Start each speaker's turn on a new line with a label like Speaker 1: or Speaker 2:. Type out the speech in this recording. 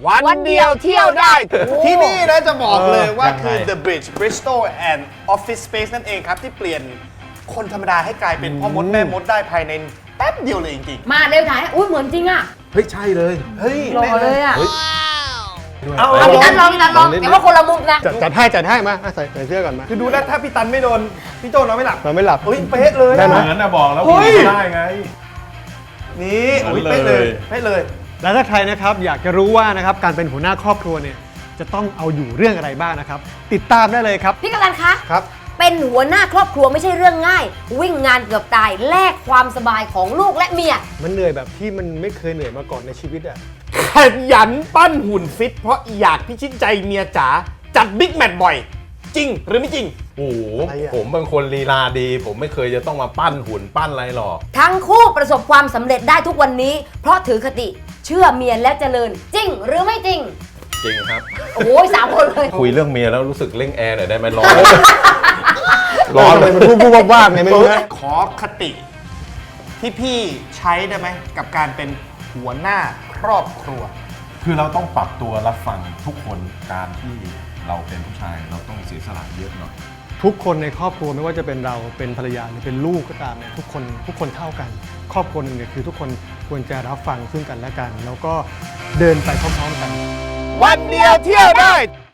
Speaker 1: วันเดียวเที่ยวได้
Speaker 2: ที่นี่นะจะบอกเลยว่า
Speaker 3: ยังไง
Speaker 2: คือ The Bridge Bristol and Office Space นั่นเองครับ ที่เปลี่ยนคนธรรมดาให้กลายเป็นพ่อมดแม่มดได้ภายในแป๊บเดียวเลยจริง
Speaker 4: มาเร็วถ่ายอุ้ยเหมือนจริงอ่ะ
Speaker 3: เฮ้ยใช่เลย
Speaker 2: ๆเฮ้ย
Speaker 4: หล่อเลยอ่ะ
Speaker 2: เอา
Speaker 4: เอาพี่ตันลองเดี๋ยวว่าคนละมุมนะ
Speaker 1: จัดให้มาใส่เสื้อก่อนมา
Speaker 2: คือดูนะถ้าพี่ตันไม่โดนพี่โจนอนไม่หลับ
Speaker 1: เราไม่หลับ
Speaker 2: เฮ้ยเป๊ะเลย
Speaker 1: ได้ไหม
Speaker 3: เหมือนนะบอกแล้ว
Speaker 2: เฮ้ย
Speaker 3: ไม่ได้ไง
Speaker 2: นี่โอ้ย
Speaker 3: เหมือนเลย
Speaker 2: เป๊ะเลย
Speaker 1: แล้วถ้าใครนะครับอยากจะรู้ว่านะครับการเป็นหัวหน้าครอบครัวเนี่ยจะต้องเอาอยู่เรื่องอะไรบ้างนะครับติดตามได้เลยครับ
Speaker 4: พี่กำลังคะ
Speaker 2: ครับ
Speaker 4: เป็นหัวหน้าครอบครัวไม่ใช่เรื่องง่าย วิ่งงานเกือบตายแลกความสบายของลูกและเมีย
Speaker 1: มันเหนื่อยแบบที่มันไม่เคยเหนื่อยมาก่อนในชีวิตอ่ะ
Speaker 2: ขยันปั้นหุ่นฟิตเพราะอยากพิชิตใจเมียจ๋าจัดบิ๊กแมตช์บ่อย จริงหรือไม่จริง
Speaker 3: โอ้โห
Speaker 1: อะไรอะ
Speaker 3: ผมเป็นคนลีลาดี ผมไม่เคยจะต้องมาปั้นหุ่นปั้นอะไรหรอก
Speaker 4: ทั้งคู่ประสบความสำเร็จได้ทุกวันนี้ เพราะถือคติเชื่อเมียและเจริญ จริงหรือไม่จริง
Speaker 3: จริงครับ
Speaker 4: โอ้ย3 คนเลย
Speaker 3: คุยเรื่องเมียแล้วรู้สึกเร่งแอร์หน่อยได้ไหมร้อน
Speaker 1: ร้อนเลยมันพูดว่าไงไม่รู้นะ
Speaker 2: ขอคติที่พี่ใช้ได้ไหมกับการเป็นหัวหน้าครอบครัว
Speaker 3: คือเราต้องปรับตัวรับฟังทุกคนการที่เราเป็นผู้ชายเราต้องเสียสละเยอะหน่อย
Speaker 1: ทุกคนในครอบครัวไม่ว่าจะเป็นเราเป็นภรรยาหรือเป็นลูกก็ตามเนี่ยทุกคนเท่ากัน ครอบครัวหนึ่งเนี่ยคือทุกคนควรจะรับฟังซึ่งกันและกัน แล้วก็เดินไปพร้อมๆกัน
Speaker 2: วันเดียวเที่ยวได้